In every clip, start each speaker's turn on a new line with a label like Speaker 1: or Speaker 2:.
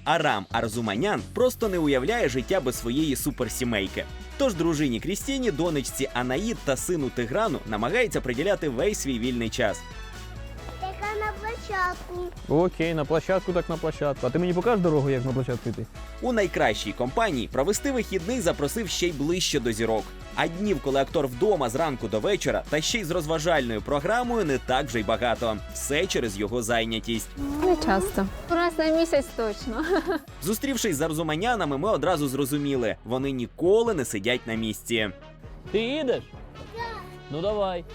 Speaker 1: Арам Арзуманян просто не уявляє життя без своєї суперсімейки. Тож дружині Крістіні, донечці Анаїд та сину Тиграну намагається приділяти весь свій вільний час.
Speaker 2: Така на площадку.
Speaker 3: Окей, на площадку так на площадку. А ти мені покажеш дорогу, як на площадку йти?
Speaker 1: У найкращій компанії провести вихідний запросив ще й ближче до зірок. А днів, коли актор вдома зранку до вечора, та ще й з розважальною програмою, не так вже й багато. Все через його зайнятість.
Speaker 4: Не часто. Раз на місяць точно.
Speaker 1: Зустрівшись з Арзуманянами, ми одразу зрозуміли – вони ніколи не сидять на місці.
Speaker 3: Ти їдеш? Ну давай.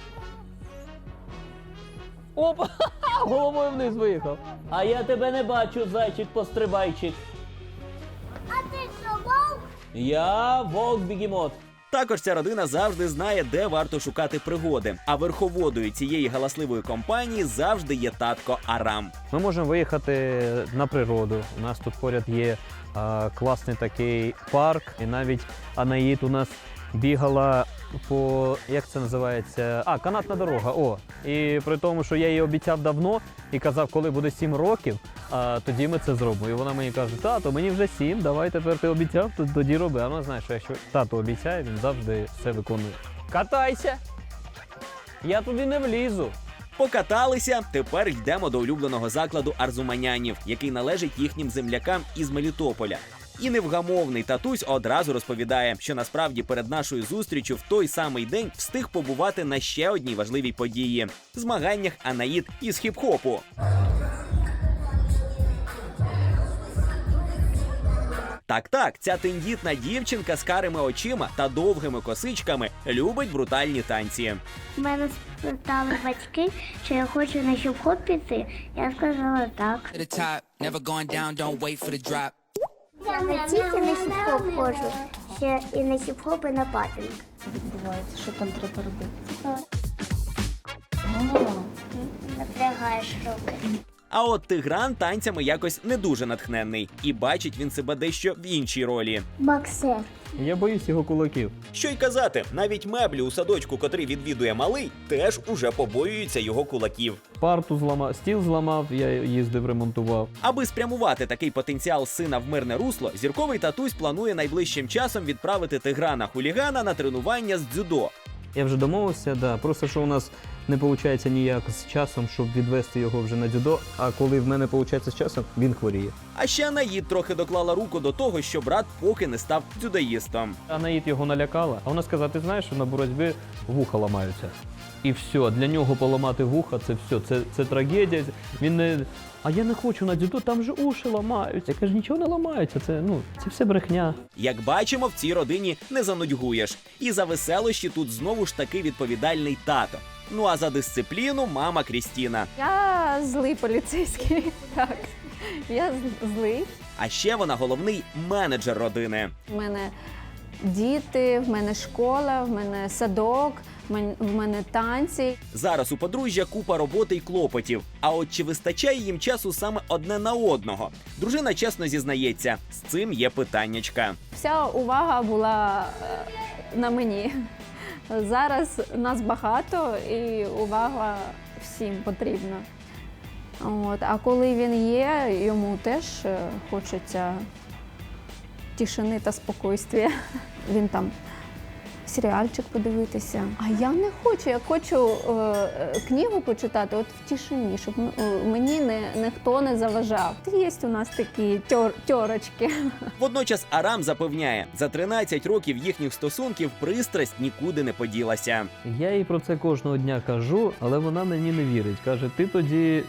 Speaker 3: Опа! Головою вниз виїхав. А я тебе не бачу, зайчик-пострибайчик.
Speaker 2: А ти що, вовк?
Speaker 3: Я вовк-бігемот.
Speaker 1: Також ця родина завжди знає, де варто шукати пригоди. А верховодою цієї галасливої компанії завжди є татко Арам.
Speaker 3: Ми можемо виїхати на природу. У нас тут поряд є класний такий парк. І навіть Анаїд у нас бігала по, як це називається? Канатна дорога. О, і при тому, що я їй обіцяв давно і казав, коли буде 7 років, тоді ми це зробимо. І вона мені каже: тато, мені вже 7, давай тепер ти обіцяв, тоді роби. А вона знає, що якщо тато обіцяє, він завжди все виконує. Катайся! Я туди не влізу.
Speaker 1: Покаталися, тепер йдемо до улюбленого закладу Арзуманянів, який належить їхнім землякам із Мелітополя. І невгамовний татусь одразу розповідає, що насправді перед нашою зустрічю в той самий день встиг побувати на ще одній важливій події – змаганнях Анаїд із хіп-хопу. Так, ця тендітна дівчинка з карими очима та довгими косичками любить брутальні танці.
Speaker 2: Мене спитали батьки, чи я хочу на хіп-хоп піти. Я сказала так.
Speaker 5: To the top, never going down, don't wait for the drop.
Speaker 2: Я не тільки на хіп-хоп ходжу, ще і на хіп-хоп, і на папінг.
Speaker 4: Відбувається, що там треба робити?
Speaker 2: Напрягаєш руки.
Speaker 1: А от Тигран танцями якось не дуже натхненний. І бачить він себе дещо в іншій ролі.
Speaker 2: Боксер.
Speaker 3: Я боюсь його кулаків.
Speaker 1: Що й казати, навіть меблі у садочку, котрий відвідує малий, теж уже побоюються його кулаків.
Speaker 3: Парту зламав, стіл зламав, я їздив, ремонтував.
Speaker 1: Аби спрямувати такий потенціал сина в мирне русло, зірковий татусь планує найближчим часом відправити Тиграна-хулігана на тренування з дзюдо.
Speaker 3: Я вже домовився, да. Просто що у нас не виходить ніяк з часом, щоб відвести його вже на дзюдо, а коли в мене виходить з часом, він хворіє.
Speaker 1: А ще Анаїд трохи доклала руку до того, що брат поки не став дзюдоїстом.
Speaker 3: Анаїд його налякала, а вона сказала: ти знаєш, що на боротьбі вуха ламаються. І все, для нього поламати вуха, це все, це трагедія. Він не... А я не хочу на дзюдо, там же уші ламаються. Я кажу, нічого не ламаються, це все брехня.
Speaker 1: Як бачимо, в цій родині не занудьгуєш. І за веселощі тут знову ж таки відповідальний тато. Ну а за дисципліну мама Крістіна.
Speaker 4: Я злий поліцейський. Так. Я злий.
Speaker 1: А ще вона головний менеджер родини.
Speaker 4: У мене діти, в мене школа, в мене садок, в мене танці.
Speaker 1: Зараз у подружжя купа роботи й клопотів. А от чи вистачає їм часу саме одне на одного? Дружина чесно зізнається, з цим є питаннячка.
Speaker 4: Вся увага була на мені. Зараз нас багато і увага всім потрібна. От. А коли він є, йому теж хочеться тишини та спокійствия. Він там серіальчик подивитися. А я не хочу, я хочу книгу почитати от в тишині, щоб мені ніхто не заважав. Є у нас такі тьорочки.
Speaker 1: Водночас Арам запевняє, за 13 років їхніх стосунків пристрасть нікуди не поділася.
Speaker 3: Я їй про це кожного дня кажу, але вона мені не вірить. Каже, ти тоді,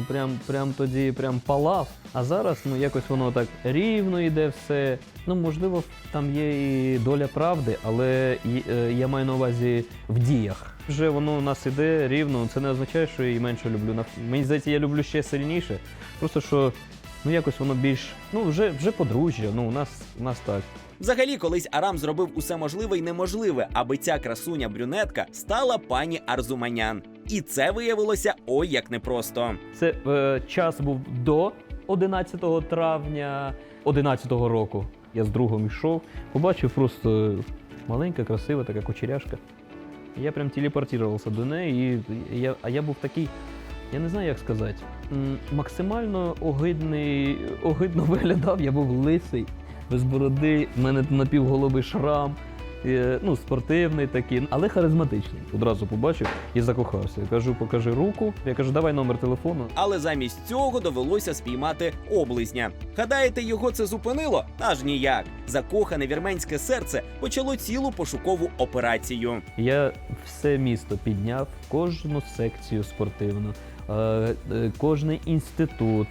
Speaker 3: прям палав, а зараз, якось воно так рівно йде все. Можливо, там є і доля правди, але я маю на увазі в діях. Вже воно у нас іде рівно, це не означає, що я її менше люблю. Мені здається, я люблю ще сильніше. Просто що, якось воно більш, вже подружжя, у нас так.
Speaker 1: Взагалі, колись Арам зробив усе можливе й неможливе, аби ця красуня-брюнетка стала пані Арзуманян. І це виявилося ой як непросто.
Speaker 3: Це час був до 11 травня 2011 року. Я з другом йшов, побачив просто маленька, красива така кучеряшка. Я прям телепортувався до неї, а я був такий, я не знаю, як сказати. максимально огидно виглядав. Я був лисий, без бороди, в мене напівголовий шрам. Ну, спортивний такий, але харизматичний. Одразу побачив і закохався. Я кажу, покажи руку. Я кажу, давай номер телефону.
Speaker 1: Але замість цього довелося спіймати облизня. Гадаєте, його це зупинило? Аж ніяк. Закохане вірменське серце почало цілу пошукову операцію.
Speaker 3: Я все місто підняв, кожну секцію спортивну, кожний інститут,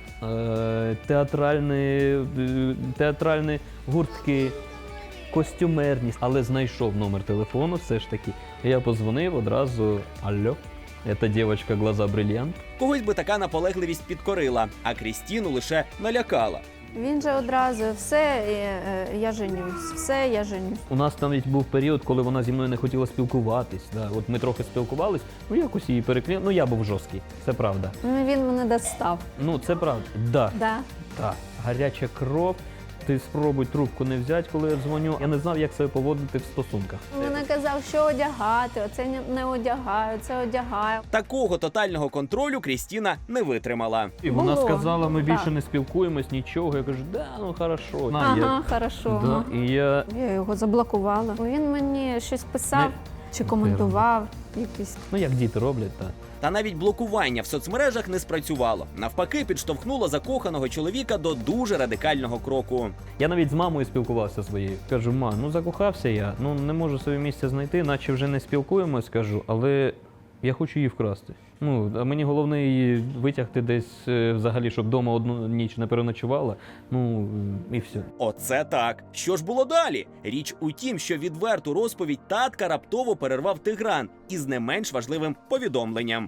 Speaker 3: театральні гуртки, костюмерність. Але знайшов номер телефону все ж таки. Я подзвонив одразу, алло, це дівчинка, глаза брильянт.
Speaker 1: Когось би така наполегливість підкорила, а Крістіну лише налякала.
Speaker 4: Він же одразу все, я женюсь, все, я женюсь.
Speaker 3: У нас там був період, коли вона зі мною не хотіла спілкуватись. Да. От ми трохи спілкувались, ну якось її переклів. Ну я був жорсткий, це правда.
Speaker 4: Ну, він мене достав.
Speaker 3: Ну це правда. Да.
Speaker 4: Да.
Speaker 3: Так. Гаряча кров. Ти спробуй трубку не взяти, коли я дзвоню. Я не знав, як себе поводити в стосунках.
Speaker 4: Він казав, що одягати, оце не одягаю, це одягаю.
Speaker 1: Такого тотального контролю Крістіна не витримала.
Speaker 3: І вона
Speaker 4: Було.
Speaker 3: сказала, ми більше
Speaker 4: Так.
Speaker 3: не спілкуємось, нічого. Я кажу, да, ну хорошо.
Speaker 4: Ага, хорошо.
Speaker 3: Да,
Speaker 4: ага.
Speaker 3: і я
Speaker 4: Я його заблокувала. Він мені щось писав чи коментував. Якісь.
Speaker 3: ну як діти роблять, так.
Speaker 1: Та навіть блокування в соцмережах не спрацювало. Навпаки, підштовхнуло закоханого чоловіка до дуже радикального кроку.
Speaker 3: Я навіть з мамою спілкувався своєю. Кажу, ма, ну закохався я, ну не можу своє місце знайти, наче вже не спілкуємось, кажу, але я хочу її вкрасти. Ну, а мені головне її витягти десь взагалі, щоб вдома одну ніч не переночувала. Ну і все.
Speaker 1: Оце так. Що ж було далі? Річ у тім, що відверту розповідь татка раптово перервав Тигран із не менш важливим повідомленням.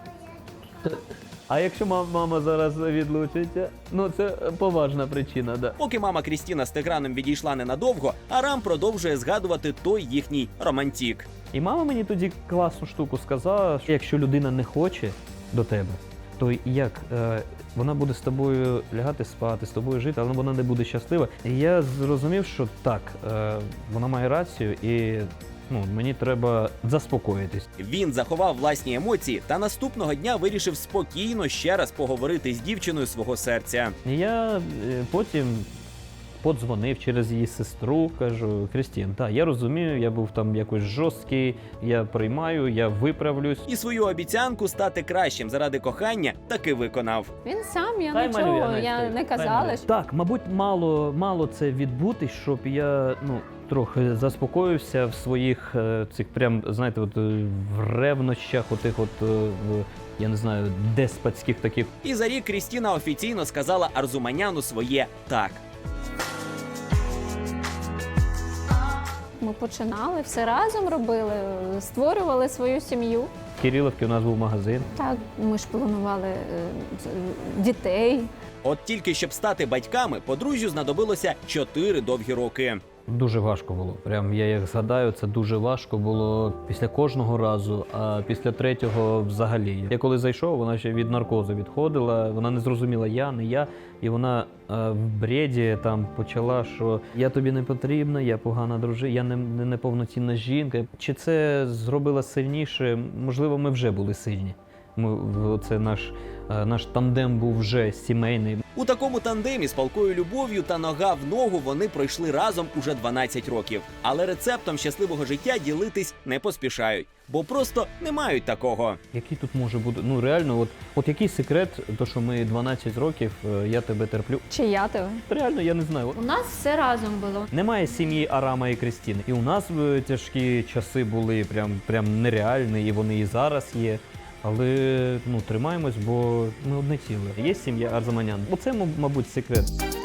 Speaker 3: А якщо мама зараз відлучиться, ну це поважна причина, да.
Speaker 1: Поки мама Крістіна з Тиграном відійшла ненадовго, Арам продовжує згадувати той їхній романтік.
Speaker 3: І мама мені тоді класну штуку сказала, що якщо людина не хоче до тебе, то як вона буде з тобою лягати спати, з тобою жити, але вона не буде щаслива. І я зрозумів, що так, вона має рацію і мені треба заспокоїтись.
Speaker 1: Він заховав власні емоції та наступного дня вирішив спокійно ще раз поговорити з дівчиною свого серця.
Speaker 3: І я потім подзвонив через її сестру, кажу, Крістін, так, я розумію, я був там якось жорсткий, я приймаю, я виправлюсь.
Speaker 1: І свою обіцянку стати кращим заради кохання таки виконав.
Speaker 4: Він сам, я
Speaker 3: Дай малюю,
Speaker 4: нічого,
Speaker 3: Настя,
Speaker 4: я не
Speaker 3: дай
Speaker 4: казала.
Speaker 3: малюю.
Speaker 4: Що...
Speaker 3: Так, мабуть, мало це відбутись, щоб я трохи заспокоївся в своїх цих прям, знаєте, в ревнощах, я не знаю, деспотських таких.
Speaker 1: І за рік Крістіна офіційно сказала Арзуманяну своє «так».
Speaker 4: Ми починали, все разом робили, створювали свою сім'ю.
Speaker 3: В Кирилівці у нас був магазин.
Speaker 4: Так, ми ж планували дітей.
Speaker 1: От тільки щоб стати батьками, подружжю знадобилося 4 довгі роки.
Speaker 3: Дуже важко було. Прям я як згадаю, це дуже важко було після кожного разу, а після третього взагалі. Я коли зайшов, вона ще від наркозу відходила, вона не зрозуміла я, не я. І вона в бреді там почала, що я тобі не потрібна, я погана дружина, я не неповноцінна жінка. Чи це зробило сильніше? Можливо, ми вже були сильні. Це наш тандем був вже сімейний.
Speaker 1: У такому тандемі з палкою любов'ю та нога в ногу вони пройшли разом уже 12 років. Але рецептом щасливого життя ділитись не поспішають, бо просто не мають такого.
Speaker 3: Який тут може бути? Ну реально, от який секрет, то що ми 12 років, я тебе терплю.
Speaker 4: Чи я тебе?
Speaker 3: Реально, я не знаю.
Speaker 4: У нас все разом було.
Speaker 3: Немає сім'ї Арама і Крістіни. І у нас тяжкі часи були прям нереальні, і вони і зараз є. Але тримаємось, бо ми одне ціле. Є сім'я Арзуманян. Оце, мабуть, секрет.